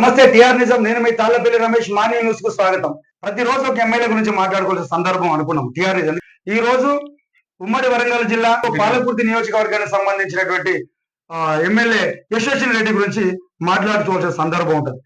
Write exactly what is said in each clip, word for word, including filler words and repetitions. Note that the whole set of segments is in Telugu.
నమస్తే టిఆర్ నిజం. నేను మీ తాళ్లపల్లి రమేష్. మార్నింగ్ న్యూస్ కు స్వాగతం. ప్రతిరోజు ఒక ఎమ్మెల్యే గురించి మాట్లాడుకోవాల్సిన సందర్భం అనుకున్నాం టిఆర్ నిజం. ఈ రోజు ఉమ్మడి వరంగల్ జిల్లా పాలకుర్తి నియోజకవర్గానికి సంబంధించినటువంటి ఎమ్మెల్యే యశస్విని రెడ్డి గురించి మాట్లాడుకోవాల్సిన సందర్భం ఉంటుంది.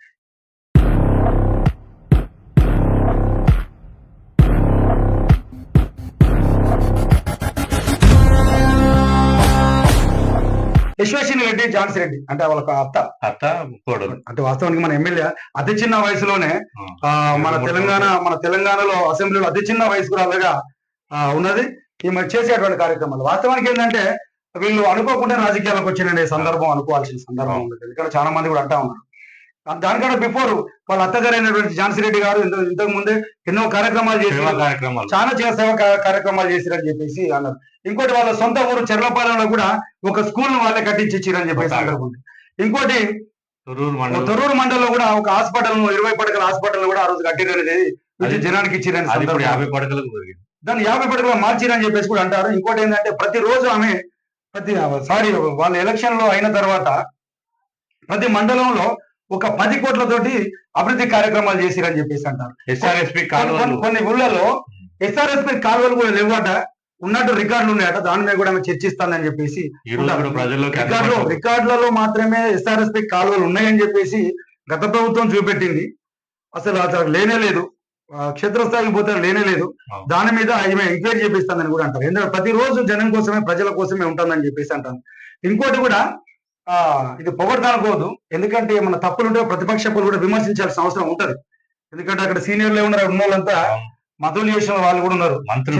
యశస్విని రెడ్డి ఝాన్సీ రెడ్డి అంటే వాళ్ళకి అత్త అత్త కోడలు. అంటే వాస్తవానికి మన ఎమ్మెల్యే అతి చిన్న వయసులోనే ఆ మన తెలంగాణ మన తెలంగాణలో అసెంబ్లీలో అతి చిన్న వయసుకురాలుగా ఉన్నది. ఈమె చేసేటువంటి కార్యక్రమాలు వాస్తవానికి ఏంటంటే వీళ్ళు అనుకోకుండా రాజకీయాలకు వచ్చిన సందర్భం అనుకోవాల్సిన సందర్భం ఉంది. ఎందుకంటే చాలా మంది కూడా అంటా ఉన్నారు. దానికన్నా బిఫోర్ వాళ్ళ అత్తగారైనటువంటి ఝాన్సీ రెడ్డి గారు ఇంతకు ముందే ఎన్నో కార్యక్రమాలు చేసి చాలా సేవ కార్యక్రమాలు చేసిరని చెప్పేసి అన్నారు. ఇంకోటి వాళ్ళ సొంత ఊరు చెర్లపాలెంలో కూడా ఒక స్కూల్ ను వాళ్ళే కట్టించి ఇచ్చిరని చెప్పేసి అన్నారు. ఇంకోటి తొర్రూరు మండలంలో కూడా ఒక హాస్పిటల్ ను ఇరవై పడకల హాస్పిటల్ కూడా ఆ రోజు కట్టిరనేది జనానికి ఇచ్చిరని యాభై పడకలకు దాన్ని యాభై పడకలు మార్చిరని చెప్పేసి కూడా అంటారు. ఇంకోటి ఏంటంటే ప్రతి రోజు ఆమె ప్రతి సారీ వాళ్ళ ఎలక్షన్ లో అయిన తర్వాత ప్రతి మండలంలో ఒక పది కోట్లతోటి అభివృద్ధి కార్యక్రమాలు చేసిరని చెప్పేసి అంటారు. ఎస్ఆర్ఎస్పి కాలువలు కొన్ని ఊళ్ళలో ఎస్ఆర్ఎస్పి కాలువలు కూడా లేవట, ఉన్నట్టు రికార్డులు ఉన్నాయట. దాని మీద కూడా ఆమె చర్చిస్తానని చెప్పేసి రికార్డులో రికార్డులలో మాత్రమే ఎస్ఆర్ఎస్పి కాలువలు ఉన్నాయని చెప్పేసి గత ప్రభుత్వం చూపెట్టింది. అసలు అసలు లేనే లేదు, క్షేత్రస్థాయికి పోతే లేనే లేదు. దాని మీద ఆమె ఎంక్వైరీ చేపిస్తానని కూడా అంటారు. ఎందుకంటే ప్రతిరోజు జనం కోసమే ప్రజల కోసమే ఉంటుందని చెప్పేసి అంటారు. ఇంకోటి కూడా ఆ ఇది పొగడతానుకోవద్దు, ఎందుకంటే మన తప్పులు ఉంటే ప్రతిపక్షాలు కూడా విమర్శించాల్సిన అవసరం ఉంటది. ఎందుకంటే అక్కడ సీనియర్లు ఉన్నారు, ఉన్న వాళ్ళంతా మధులు చేసిన వాళ్ళు కూడా ఉన్నారు,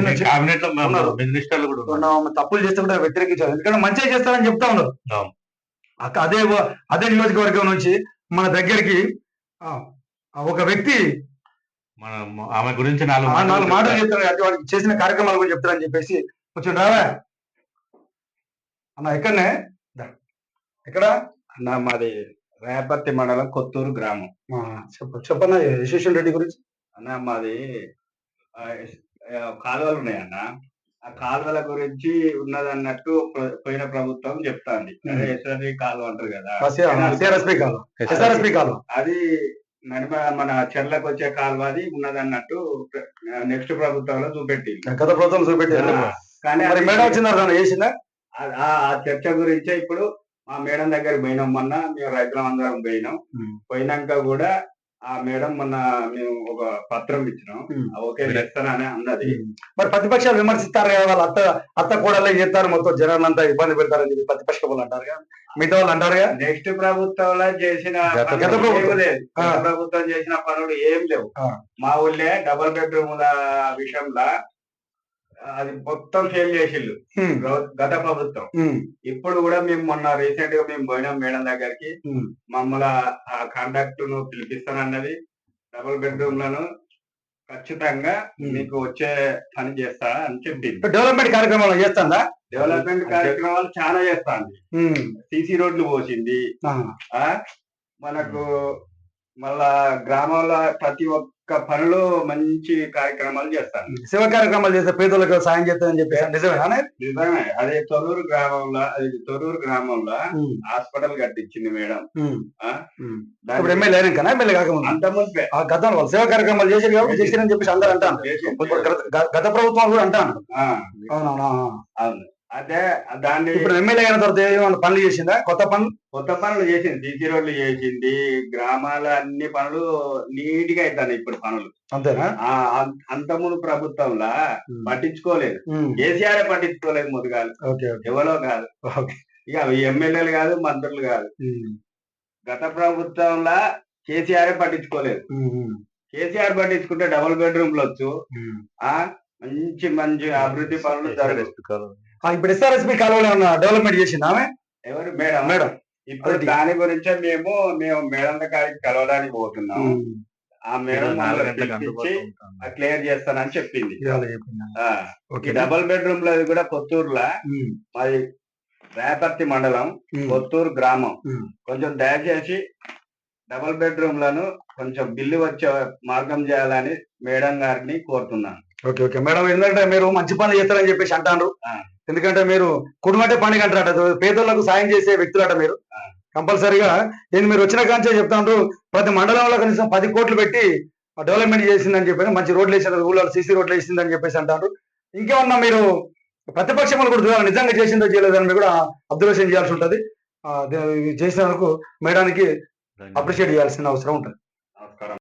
తప్పులు చేస్తే కూడా వ్యతిరేకించారు. ఎందుకంటే మంచిగా చేస్తారని చెప్తా ఉన్నారు. అదే అదే నియోజకవర్గం నుంచి మన దగ్గరికి ఒక వ్యక్తి ఆమె గురించి నాలుగు నాలుగు మాటలు చెప్తారు, అంటే వాళ్ళకి చేసిన కార్యక్రమాల గురించి చెప్తారని చెప్పేసి కొంచెం రావా అన్న. ఎక్కడనే ఎక్కడ అన్న మాది రేపర్తి మండలం కొత్తూరు గ్రామం. చెప్ప చెప్పన్న యశస్విని రెడ్డి గురించి. అన్న మాది కాలువలు ఉన్నాయన్న, ఆ కాలువల గురించి ఉన్నదన్నట్టు పోయిన ప్రభుత్వం చెప్తాంది. ఎస్ఆర్ఎస్పి కాలువ అంటారు కదా, అది నడిమ మన చెర్లకు వచ్చే కాలువ అది ఉన్నదన్నట్టు నెక్స్ట్ ప్రభుత్వంలో చూపెట్టింది. గత ప్రభుత్వం చూపెట్టి కానీ చేసిందా ఆ చర్చ గురించే ఇప్పుడు మా మేడం దగ్గర పోయినాం. మొన్న మేము రైతులం అందరం పోయినాం. పోయినాక కూడా ఆ మేడం మొన్న మేము ఒక పత్రం ఇచ్చినాం, ఓకే చేస్తానని అన్నది. మరి ప్రతిపక్షాలు విమర్శిస్తారు కదా, వాళ్ళ అత్త అత్త కూడా చేస్తారు, మొత్తం జనాలంతా ఇబ్బంది పెడతారని చెప్పి ప్రతిపక్ష వాళ్ళు అంటారు కదా, మిగతా వాళ్ళు అంటారు కదా. నెక్స్ట్ ప్రభుత్వంలో చేసిన ప్రభుత్వం చేసిన పనులు ఏం లేవు. మా ఊళ్ళే డబుల్ బెడ్రూముల విషయంలో అది మొత్తం ఫెయిల్ చేసిళ్ళు గత ప్రభుత్వం. ఇప్పుడు కూడా మేము మొన్న రీసెంట్ గా మేము పోయినాం మేడం దగ్గరికి. మమ్మల్ని ఆ కాంటాక్ట్ ను పిలిపిస్తానన్నది. డబుల్ బెడ్రూమ్ లను ఖచ్చితంగా మీకు వచ్చే పని చేస్తా అని చెప్పింది. డెవలప్మెంట్ కార్యక్రమాలు చేస్తాందా? డెవలప్మెంట్ కార్యక్రమాలు చాలా చేస్తాంది. సీసీ రోడ్లు పోసింది. ఆ మనకు మళ్ళా గ్రామంలో ప్రతి ఒక్క పనులు మంచి కార్యక్రమాలు చేస్తాను. శివ కార్యక్రమాలు చేస్తే పేదలకు సాయం చేస్తానని చెప్పి నిజమేనా? నిజమే. అదే తొర్రూరు గ్రామంలో అది తొర్రూరు గ్రామంలో హాస్పిటల్ కట్టించింది మేడం. ఎమ్మెల్యే అయినాకనా ఎమ్మెల్యే కాకముందు అంత ముందే గతంలో వాళ్ళు సేవ కార్యక్రమాలు చేసారు కాబట్టి చేసిరని చెప్పేసి అందరూ అంటాను. గత ప్రభుత్వం కూడా అంటాను. అవునవునా? అవును. అదే దాన్ని ఇప్పుడు ఎమ్మెల్యే అయిన తర్వాత ఏమైనా పనులు చేసిందా? కొత్త పనులు కొత్త పనులు చేసింది. సీసీ రోడ్లు చేసింది. గ్రామాల అన్ని పనులు నీట్ గా అవుతాయి ఇప్పుడు పనులు. అంతేనా? అంత ముందు ప్రభుత్వంలో పట్టించుకోలేదు. కేసీఆర్ పట్టించుకోలేదు. ముదుగాలు ఎవరో కాదు, ఇక ఎమ్మెల్యేలు కాదు, మంత్రులు కాదు. గత ప్రభుత్వంలో కేసీఆర్ పట్టించుకోలేదు. కేసీఆర్ పట్టించుకుంటే డబుల్ బెడ్రూమ్లు వచ్చు, ఆ మంచి మంచి అభివృద్ధి పనులు జరుగుతాయి. ఇప్పుడు ఎస్ఆర్ఎస్పి కాలువలో ఏమన్నా డెవలప్మెంట్ చేసింది ఆమె? ఎవరు మేడం? మేడం ఇప్పుడు దాని గురించే మేము మేము మేడం దగ్గరికి కలవడానికి పోతున్నాము. ఆ మేడం క్లియర్ చేస్తానని చెప్పింది. డబుల్ బెడ్రూమ్ లో కూడా కొత్తూరులో మాది రేపర్తి మండలం కొత్తూరు గ్రామం. కొంచెం దయచేసి డబుల్ బెడ్రూమ్ లను కొంచెం బిల్లు వచ్చే మార్గం చేయాలని మేడం గారిని కోరుతున్నాను. ఓకే ఓకే మేడం, ఎందుకంటే మీరు మంచి పనులు చేస్తారని చెప్పేసి అంటారు. ఎందుకంటే మీరు కుటుంబంటే పండుగ అంటారట, పేదలకు సాయం చేసే వ్యక్తులట మీరు. కంపల్సరీగా ఏంది మీరు వచ్చిన కాంచే చెప్తాండ్రు ప్రతి మండలంలో కనీసం పది కోట్లు పెట్టి డెవలప్మెంట్ చేసిందని చెప్పి మంచి రోడ్లు వేసిన ఊళ్ళో సీసీ రోడ్లు వేసిందని చెప్పేసి అంటారు. ఇంకేమన్నా మీరు ప్రతిపక్షములు కూడా చూడాలి, నిజంగా చేసిందో చేయలేదని మీరు కూడా అబ్జర్వేషన్ చేయాల్సి ఉంటుంది. చేసినందుకు మేడానికి అప్రిషియేట్ చేయాల్సిన అవసరం ఉంటుంది. నమస్కారం.